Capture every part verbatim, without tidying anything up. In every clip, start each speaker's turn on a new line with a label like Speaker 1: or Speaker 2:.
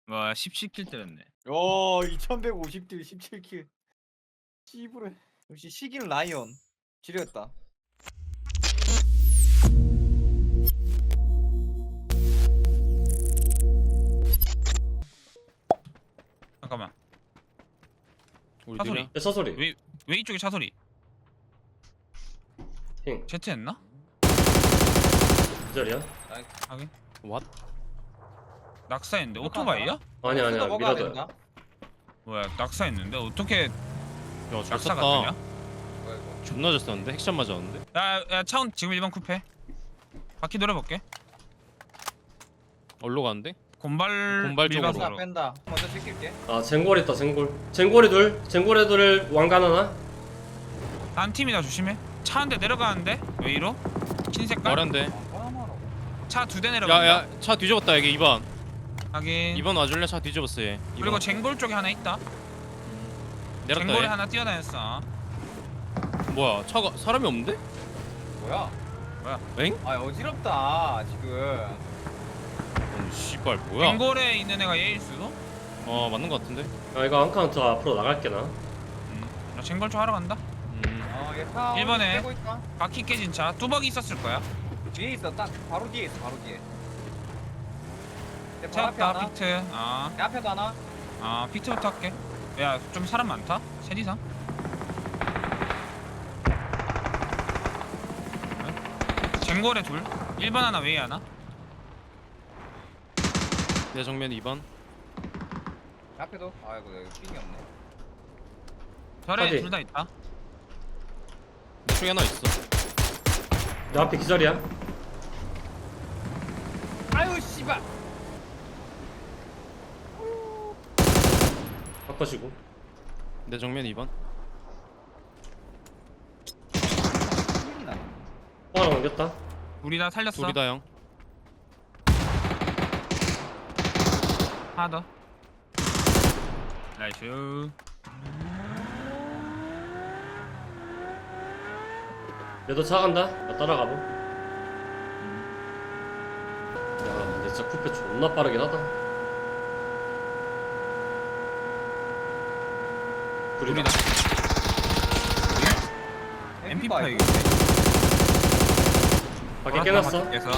Speaker 1: 와 십칠 킬 때렸네.
Speaker 2: 오 이천백오십 딜 십칠 킬. 씨부레. 역시 시기는 라이언. 지렸다.
Speaker 1: 잠깐만.
Speaker 3: 우리
Speaker 1: 차소리.
Speaker 3: 둘이야?
Speaker 4: 야, 차소리.
Speaker 1: 왜 왜 이쪽에 차 소리?
Speaker 4: 핑.
Speaker 1: 제트했나?
Speaker 4: 이 자리야?
Speaker 1: 하긴.
Speaker 3: 왓?
Speaker 1: 낙사했는데 오토바이야?
Speaker 4: 아니 아니야 미라도야.
Speaker 1: 뭐야 낙사했는데 어떻게
Speaker 3: 야, 잘
Speaker 1: 낙사가
Speaker 3: 쐈다.
Speaker 1: 되냐?
Speaker 2: 뭐야 이거?
Speaker 3: 존나 잘 쐈는데? 핵샷 맞았는데?
Speaker 1: 야야 차운 지금 일 번 쿠페. 바퀴 노려볼게.
Speaker 3: 얼로 가는데?
Speaker 1: 곤발
Speaker 3: 곤발 쪽으로.
Speaker 1: 밀가루.
Speaker 2: 뺀다 뺀다. 먼저 지킬게.
Speaker 4: 아 쟁골 있다 쟁골. 쟁골이 둘. 쟁골이 둘 왕관 하나.
Speaker 1: 한 팀이다 조심해. 차 한 대 내려가는데 왜 이러? 흰 색깔?
Speaker 3: 말한데.
Speaker 2: 까마라고.
Speaker 1: 차 두 대 내려간다.
Speaker 3: 야야 차 뒤집었다 여기 이 번
Speaker 1: 하긴.
Speaker 3: 이 번 와줄래? 차 뒤집었어 얘 이
Speaker 1: 그리고
Speaker 3: 번.
Speaker 1: 쟁골 쪽에 하나 있다.
Speaker 3: 내렸다
Speaker 1: 쟁골에
Speaker 3: 얘
Speaker 1: 하나 뛰어다녔어.
Speaker 3: 뭐야 차가 사람이 없는데?
Speaker 2: 뭐야?
Speaker 3: 엥?
Speaker 2: 아 어지럽다 지금.
Speaker 3: 어 씨발 뭐야
Speaker 1: 쟁골에 있는 애가 얘일 수도?
Speaker 3: 어 맞는 거 같은데?
Speaker 4: 아 이거 한 카운트 앞으로 나갈게 나.
Speaker 1: 음. 나 쟁골 쪽 하러 간다.
Speaker 3: 음
Speaker 2: 어얘타
Speaker 1: 일 번에.
Speaker 2: 빼고 있다.
Speaker 1: 바퀴 깨진 차 뚜벅이 있었을 거야.
Speaker 2: 뒤에 있어 딱 바로 뒤에 있어 바로 뒤에. 내 바로 앞에
Speaker 1: 채웠다
Speaker 2: 하나.
Speaker 1: 피트. 아,
Speaker 2: 내 앞에도 하나.
Speaker 1: 아 피트부터 할게. 야 좀 사람 많다. 셋 이상. 쟁골에 둘. 일 번 하나 웨이 하나.
Speaker 3: 내 정면 이 번
Speaker 2: 내 앞에도. 아이고 내가 핑이 없네.
Speaker 1: 별에
Speaker 4: 어디?
Speaker 1: 둘 다 있다.
Speaker 3: 이쪽에 하나 있어
Speaker 4: 내 앞에 기절이야.
Speaker 2: 아유 씨발.
Speaker 4: 바꿔주고.
Speaker 3: 내 정면 이 번
Speaker 2: 핑이 나.
Speaker 4: 또 하나 옮겼다.
Speaker 1: 우리 다 살렸어.
Speaker 3: 둘이다 형
Speaker 1: 하나 더. 나이스.
Speaker 4: 얘도 차 간다. 나 따라가보. 야 근데 진짜 쿠페 존나 빠르긴 하다.
Speaker 1: 우리다.
Speaker 4: 둘이다.
Speaker 1: 엠피파이.
Speaker 2: 엠피파이.
Speaker 4: 밖에 깨놨어.
Speaker 1: 밖에서.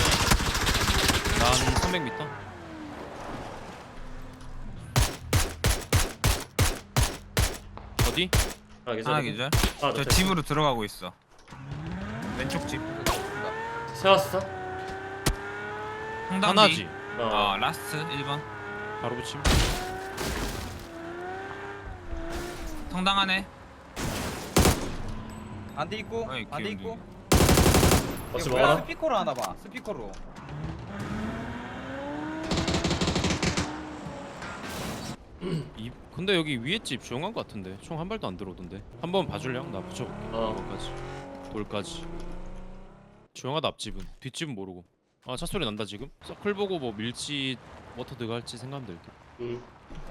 Speaker 3: 난 삼백 미터 어디?
Speaker 4: 아 기절.
Speaker 1: 하나 기절.
Speaker 4: 아,
Speaker 1: 저
Speaker 4: 저
Speaker 1: 집으로 들어가고 있어. 왼쪽 집.
Speaker 4: 세웠어.
Speaker 1: 홍당기.
Speaker 3: 하나지
Speaker 4: 어.
Speaker 1: 어 라스트 일 번.
Speaker 3: 바로 붙임
Speaker 1: 성당 안에.
Speaker 2: 안돼 있고.
Speaker 1: 어이,
Speaker 2: 안돼
Speaker 1: 기억이.
Speaker 2: 있고.
Speaker 4: 같이
Speaker 2: 이거 뭐야?
Speaker 4: 먹어라.
Speaker 2: 스피커로 하나 봐. 스피커로.
Speaker 3: 이, 근데 여기 위에 집 조용한 거 같은데 총 한 발도 안 들어오던데 한번 봐줄래 형? 나 붙여볼게
Speaker 4: 어.
Speaker 3: 돌까지 돌까지 조용하다 앞집은 뒷집은 모르고 아 차소리 난다 지금 서클 보고 뭐 밀지 워터 들어갈지 생각하면 될게
Speaker 4: 응.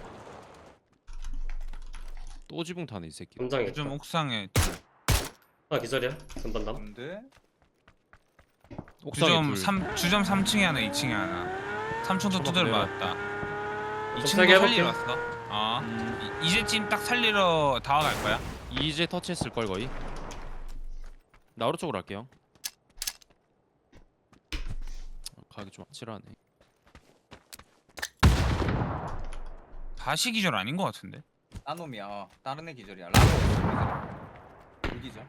Speaker 3: 또 지붕 타네 이 새끼
Speaker 4: 담장에.
Speaker 1: 요즘 옥상에
Speaker 4: 아 기절이야. 전반담.
Speaker 2: 근데
Speaker 3: 옥상에
Speaker 1: 주점
Speaker 3: 둘
Speaker 1: 삼 주점 삼 층에 하나, 이 층에 하나. 삼 층도 두드려
Speaker 3: 내가.
Speaker 1: 맞았다. 이
Speaker 4: 좀
Speaker 1: 층도
Speaker 4: 세게
Speaker 1: 살리러
Speaker 4: 해볼게.
Speaker 1: 왔어. 어.
Speaker 3: 음,
Speaker 1: 이- 이제쯤 딱 살리러 다와갈 거야.
Speaker 3: 이제 터치했을 걸 거의 나 오른쪽으로 할게요 아, 가기 좀 아찔하네
Speaker 1: 다시 기절 아닌 것 같은데.
Speaker 2: 딴 놈이야. 어, 다른 애 기절이야. 라고. 불기절.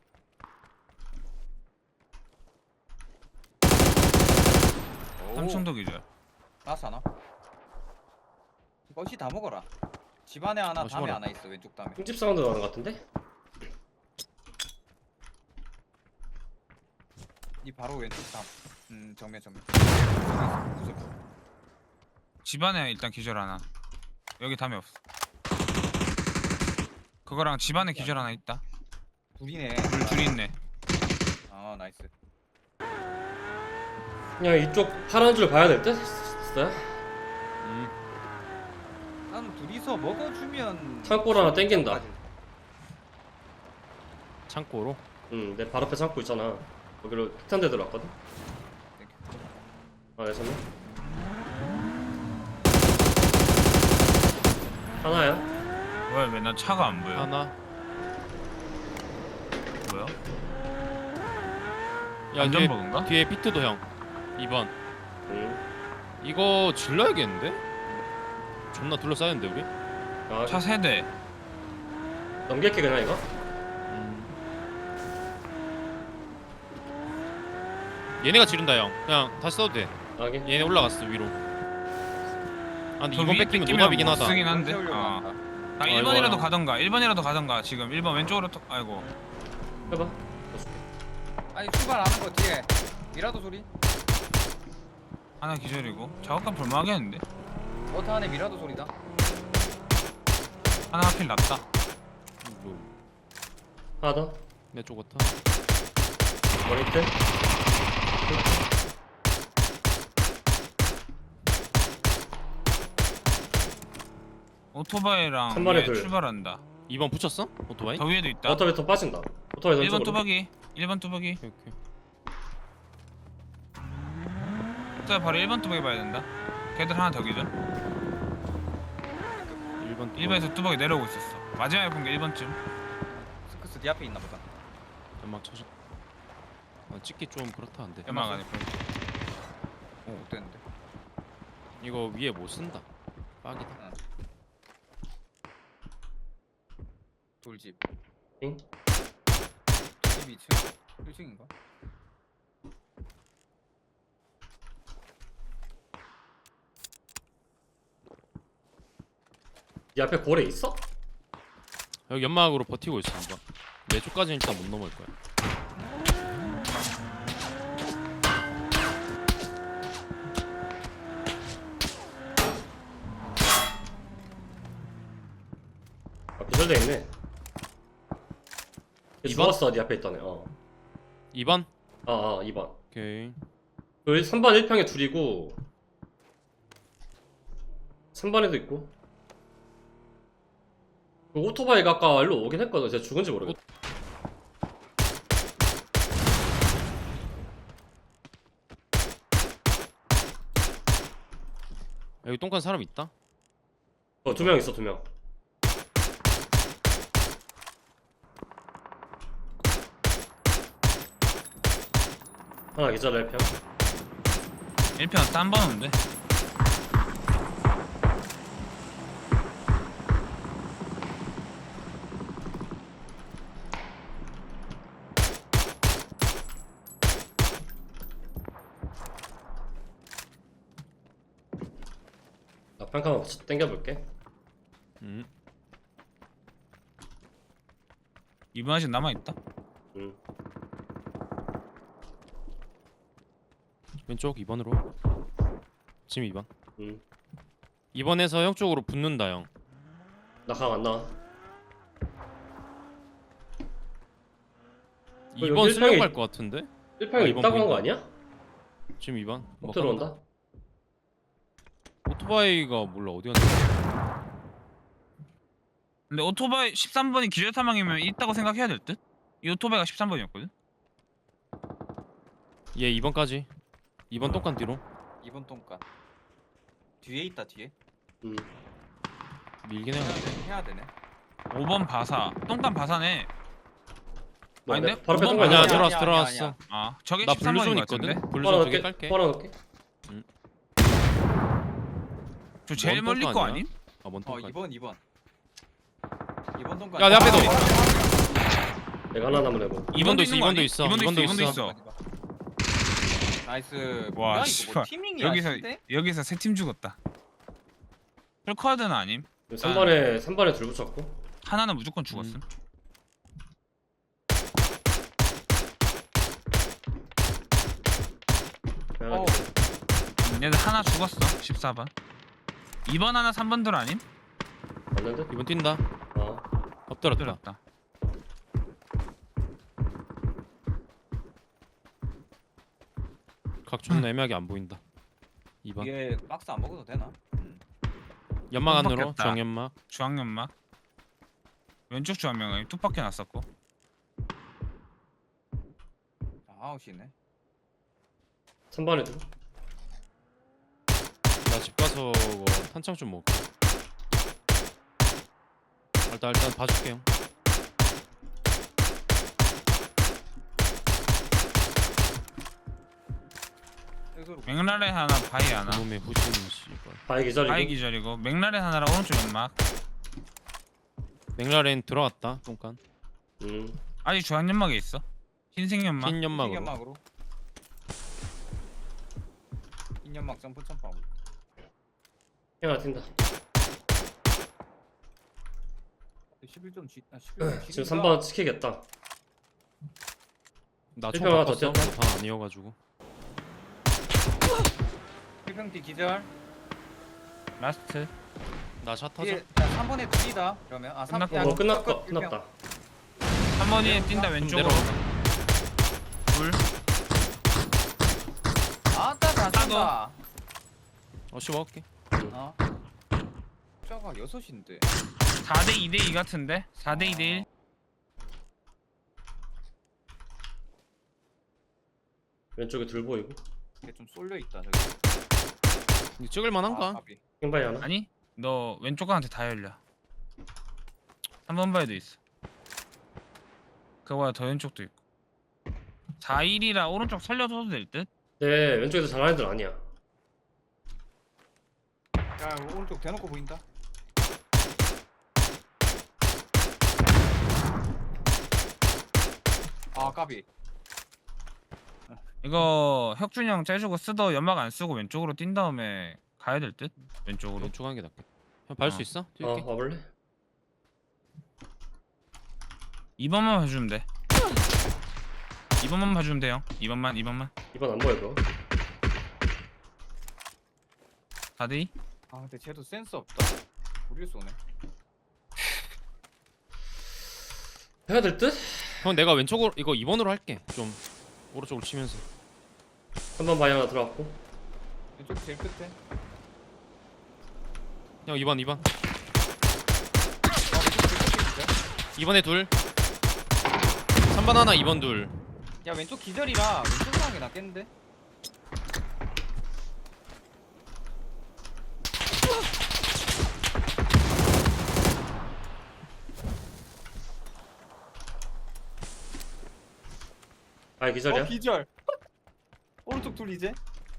Speaker 1: 삼 층도 기절.
Speaker 2: 나스 하나. 거시 다 먹어라. 집 안에 하나,
Speaker 3: 어,
Speaker 2: 담에
Speaker 3: 심어라.
Speaker 2: 하나 있어. 왼쪽 담에.
Speaker 4: 흠집 사운드 나는 것 같은데?
Speaker 2: 이 바로 왼쪽 담. 음 정면 정면. 구석.
Speaker 1: 집안에 일단 기절 하나. 여기 담에 없어. 그거랑 집안에 기절 하나 있다.
Speaker 2: 둘이네.
Speaker 1: 둘 둘이 있네.
Speaker 2: 아 나이스.
Speaker 4: 그냥 이쪽 파란 줄 봐야 될 듯? 진짜?
Speaker 3: 음,
Speaker 2: 난 둘이서 먹어주면.
Speaker 4: 창고로 하나 땡긴다.
Speaker 3: 창고로
Speaker 4: 응, 내 발 앞에 창고 있잖아. 거기로 폭탄대 들어왔거든? 아, 내 손에? 하나야?
Speaker 1: 왜 맨날 차가 안 보여?
Speaker 3: 하나.
Speaker 1: 뭐야?
Speaker 3: 야 뒤에
Speaker 1: 안전버그인가?
Speaker 3: 뒤에 피트도 형. 이 번.
Speaker 4: 응.
Speaker 3: 이거 질러야겠는데? 존나 둘러싸였는데 우리?
Speaker 4: 아,
Speaker 1: 차 세대.
Speaker 4: 넘길게 그냥 이거.
Speaker 3: 음. 얘네가 지른다 형. 그냥 다시 써도 돼.
Speaker 4: 하긴.
Speaker 3: 얘네 올라갔어 위로. 아 근데
Speaker 1: 저
Speaker 3: 이번
Speaker 1: 위에
Speaker 3: 뺏기면
Speaker 1: 뺏기면
Speaker 3: 노답이긴
Speaker 1: 못
Speaker 3: 하다.
Speaker 1: 쓰긴 한데.
Speaker 2: 세우려고
Speaker 1: 어.
Speaker 2: 한다.
Speaker 1: 나
Speaker 3: 아이고,
Speaker 1: 일 번이라도
Speaker 3: 형.
Speaker 1: 가던가. 일 번이라도 가던가. 지금 일 번 왼쪽으로 톡. 아이고.
Speaker 4: 해봐.
Speaker 2: 아니 출발하는 거 뒤에 미라도 소리.
Speaker 1: 하나 기절이고. 작업감 볼만하겠는데.
Speaker 2: 버터 안에 미라도 소리다.
Speaker 1: 하나 하필 났다.
Speaker 3: 뭐,
Speaker 4: 하나 더.
Speaker 3: 내 쪽 같아.
Speaker 4: 머리 밑에.
Speaker 1: 오토바이랑
Speaker 4: 한 번에
Speaker 1: 위에
Speaker 4: 둘.
Speaker 1: 출발한다.
Speaker 3: 이 번 붙였어? 오토바이?
Speaker 1: 더 위에도 있다.
Speaker 4: 오토바이 더 빠진다. 오토바이
Speaker 1: 일 번
Speaker 4: 왼쪽으로.
Speaker 1: 뚜벅이. 일 번 뚜벅이.
Speaker 3: 오케이 오케이.
Speaker 1: 자 바로 일 번 뚜벅이 봐야 된다. 걔들 하나 더 기절.
Speaker 3: 일 번
Speaker 1: 일 번에서 뚜벅이 내려오고 있었어. 마지막에 본 게 일 번쯤.
Speaker 2: 스크스 네 앞에 있나 보다.
Speaker 3: 연막 쳐줘. 아, 찍기 좀 그렇다 한데.
Speaker 1: 연막 안에.
Speaker 2: 오 어땠는데?
Speaker 3: 이거 위에 못 쓴다. 빡이다.
Speaker 2: 돌집.
Speaker 4: 응?
Speaker 2: 집 이 층? 일 층인가?
Speaker 4: 이 앞에 고래 있어?
Speaker 3: 여기 연막으로 버티고 있어 이거. 내 쪽까지는 일단 못 넘어올 거야.
Speaker 4: 아, 기절돼 있네. 얘
Speaker 3: 이 번?
Speaker 4: 죽었어. 네 앞에 있던 애. 어.
Speaker 3: 이 번?
Speaker 4: 아, 아, 이 번.
Speaker 3: 오케이.
Speaker 4: 여기 삼 번 일 평에 둘이고 삼 번에도 있고. 그 오토바이가 아까 일로 오긴 했거든. 제가 죽은지 모르겠어.
Speaker 3: 여기 똥간 사람 있다?
Speaker 4: 어, 두 명 있어, 두 명. 하나 기절 일 평.
Speaker 1: 일 편 딴 번인데.
Speaker 4: 나 평가만 땡겨볼게.
Speaker 3: 음.
Speaker 1: 이 번 아직 남아 있다.
Speaker 4: 응.
Speaker 3: 왼쪽 이 번으로. 지금 이 번.
Speaker 4: 응.
Speaker 3: 이 번에서 형 쪽으로 붙는다 형.
Speaker 4: 나 강 안 나와.
Speaker 3: 이 번
Speaker 4: 여기
Speaker 3: 쓰려고
Speaker 4: 일평에-
Speaker 3: 할 것 같은데?
Speaker 4: 일 평에
Speaker 3: 아, 이번
Speaker 4: 있다고 한 거
Speaker 3: 보인다.
Speaker 4: 아니야?
Speaker 3: 지금 이 번.
Speaker 4: 못
Speaker 3: 뭐
Speaker 4: 들어온다.
Speaker 3: 간다. 오토바이가 몰라 어디 갔는지.
Speaker 1: 근데 오토바이 십삼 번이 기절 사망이면 있다고 생각해야 될 듯? 이 오토바이가 십삼 번이었거든.
Speaker 3: 얘 이 번까지. 이 번 똥간 뒤로.
Speaker 2: 이 번 똥간. 뒤에 있다 뒤에.
Speaker 4: 응.
Speaker 3: 밀긴 해야
Speaker 2: 해야,
Speaker 3: 돼.
Speaker 2: 되, 해야 되네.
Speaker 1: 오 번 바사. 똥간 바사네.
Speaker 4: 뭐,
Speaker 1: 아닌데?
Speaker 4: 내 바로 앞에
Speaker 1: 오 번
Speaker 4: 똥간
Speaker 3: 아니야
Speaker 1: 아니야,
Speaker 4: 있잖아.
Speaker 3: 들어왔어
Speaker 2: 아니야,
Speaker 3: 들어왔어.
Speaker 2: 아니야.
Speaker 1: 아 저게
Speaker 3: 나
Speaker 1: 십삼
Speaker 3: 블루존
Speaker 1: 번인 것 같은데.
Speaker 3: 있거든. 블루존
Speaker 4: 바로
Speaker 3: 두개
Speaker 4: 넣을게.
Speaker 3: 깔게.
Speaker 4: 바로 넣을게.
Speaker 1: 저 제일
Speaker 3: 뭔
Speaker 1: 멀리
Speaker 3: 똥간
Speaker 1: 거
Speaker 3: 아니야?
Speaker 1: 아님?
Speaker 3: 아, 뭔
Speaker 2: 어
Speaker 3: 똥간.
Speaker 2: 이 번 이 번. 이 번 똥간.
Speaker 3: 야, 내 앞에도.
Speaker 4: 내가 하나 남은 애고.
Speaker 3: 이 번도 있어,
Speaker 1: 있는
Speaker 3: 이
Speaker 1: 거
Speaker 3: 번도
Speaker 1: 아니?
Speaker 3: 있어,
Speaker 1: 이 번도
Speaker 3: 이 번도
Speaker 1: 있어. 이 번도
Speaker 3: 있어.
Speaker 1: 있어.
Speaker 2: 나이스.
Speaker 1: 와,
Speaker 2: 뭐야 이거
Speaker 1: 씨발.
Speaker 2: 뭐 티밍이야.
Speaker 1: 여기서
Speaker 2: 진짜?
Speaker 1: 여기서 세 팀 죽었다. 풀카드는 아님.
Speaker 4: 삼 번에 삼 번에 둘 붙였고.
Speaker 1: 하나는 무조건 죽었음.
Speaker 3: 음.
Speaker 2: 어.
Speaker 1: 음, 얘들 하나 죽었어. 십사 번. 이 번 하나 삼 번들 아님?
Speaker 4: 맞는데?
Speaker 3: 이 번 뛴다.
Speaker 4: 어.
Speaker 3: 엎드렸다.
Speaker 1: 들었다.
Speaker 3: 각 존나 애매하게 안 보인다. 이 번.
Speaker 2: 이게 박스 안 먹어도 되나? 음.
Speaker 3: 연막 안으로
Speaker 1: 깜빡했다.
Speaker 3: 정연막.
Speaker 1: 중앙연막. 왼쪽 중앙연막이 뚝밖에 났었고.
Speaker 2: 아웃이네.
Speaker 4: 삼 번에 둘.
Speaker 3: 나 집 가서 뭐 탄창 좀 먹을게. 일단 일단 봐줄게요.
Speaker 2: 해소로.
Speaker 1: 맥라렌 하나 바위 하나.
Speaker 3: 그놈의 후지는 씨발.
Speaker 4: 바위 기절이고.
Speaker 1: 바위 기절이고 맥라렌 하나랑 오른쪽 연막.
Speaker 3: 맥라렌 들어갔다. 똥간.
Speaker 4: 음.
Speaker 1: 아직 주황 연막에 있어. 흰색 연막.
Speaker 3: 흰 연막으로.
Speaker 2: 연막으로. 흰 연막 점프 점프하고.
Speaker 4: 형 튄다.
Speaker 2: 십일 점 쥐. 아 십일 점
Speaker 4: 지금 삼 번 지키겠다.
Speaker 3: 나총
Speaker 4: 일평 하나 더
Speaker 3: 바꿨어.
Speaker 4: 뛰었다.
Speaker 3: 다 아니어가지고.
Speaker 2: 필평띠 기절.
Speaker 1: 라스트.
Speaker 3: 나샷 터져.
Speaker 2: 뒤에 나 삼 번에 둘이다. 그러면 아 삼.
Speaker 1: 끝났고.
Speaker 2: 야,
Speaker 4: 어 끝났다.
Speaker 2: 필평.
Speaker 4: 끝났다.
Speaker 1: 한 번이 뛴다
Speaker 3: 좀
Speaker 1: 왼쪽으로.
Speaker 3: 내려가.
Speaker 1: 둘.
Speaker 2: 아따 다 쏜다.
Speaker 3: 어 씨 먹을게.
Speaker 2: 어. 숫자가 여섯인데.
Speaker 1: 사 대 이 대 이 같은데? 사 대 이 대 일.
Speaker 4: 왼쪽에 둘 보이고.
Speaker 2: 이게 좀 쏠려 있다 저기.
Speaker 3: 이거 찍을 만한가?
Speaker 2: 아, 까비.
Speaker 4: 킹바이 하나.
Speaker 1: 아니? 너 왼쪽 가한테 다 열려. 삼 번 바위도 있어. 그거보다 더 왼쪽도 있고. 사 일이라 오른쪽 살려줘도 될 듯?
Speaker 4: 네 왼쪽에서 잘하는 애들 아니야.
Speaker 2: 야 오른쪽 대놓고 보인다. 아 까비.
Speaker 1: 이거 혁준이 형 째주고 쓰더 연막 안 쓰고 왼쪽으로 뛴 다음에 가야 될 듯? 왼쪽으로.
Speaker 3: 왼쪽 가는 게 낫겠다. 형 밟을
Speaker 1: 어.
Speaker 3: 수 있어?
Speaker 4: 어
Speaker 3: 뛸게.
Speaker 4: 와볼래?
Speaker 1: 이 번만 봐주면 돼. 이 번만 봐주면 돼요. 이 번만, 이 번만.
Speaker 4: 이번 안 보여 그거.
Speaker 1: 사 대 이?
Speaker 2: 아 근데 쟤도 센스 없다. 우리 쏘네.
Speaker 4: 해야 될 듯?
Speaker 3: 형 내가 왼쪽으로 이거 이 번으로 할게. 좀 오른쪽으로 치면서.
Speaker 4: 한 번 바위 하나 들어갔고.
Speaker 2: 왼쪽 제일 끝에.
Speaker 3: 형 이 번 이 번.
Speaker 2: 아 왼쪽 제일 끝에 기절.
Speaker 3: 이 번에 둘. 삼 번 하나 이 번 둘.
Speaker 2: 야 왼쪽 기절이라 왼쪽 상황이 낫겠는데?
Speaker 4: 바위 기절이야.
Speaker 2: 어 기절. 오른쪽 둘 이제.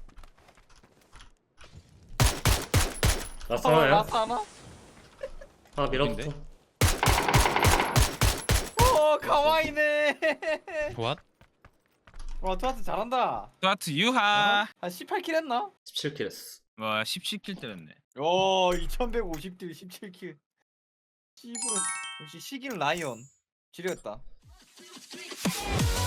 Speaker 4: 라스
Speaker 2: 어,
Speaker 4: 하나야.
Speaker 2: 라스 하나?
Speaker 4: 하나 밀어붙어.
Speaker 3: 어딘데?
Speaker 2: 어 가와이네.
Speaker 3: 좋아?
Speaker 2: 와 투하트 잘한다.
Speaker 1: 스타트 유하.
Speaker 2: 한 십팔 킬 했나?
Speaker 4: 십칠 킬 했어.
Speaker 1: 와, 십칠 킬 때렸네.
Speaker 2: 오 이천백오십 딜 십칠 킬. 씨부를 역시 시기는 라이언. 지렸다.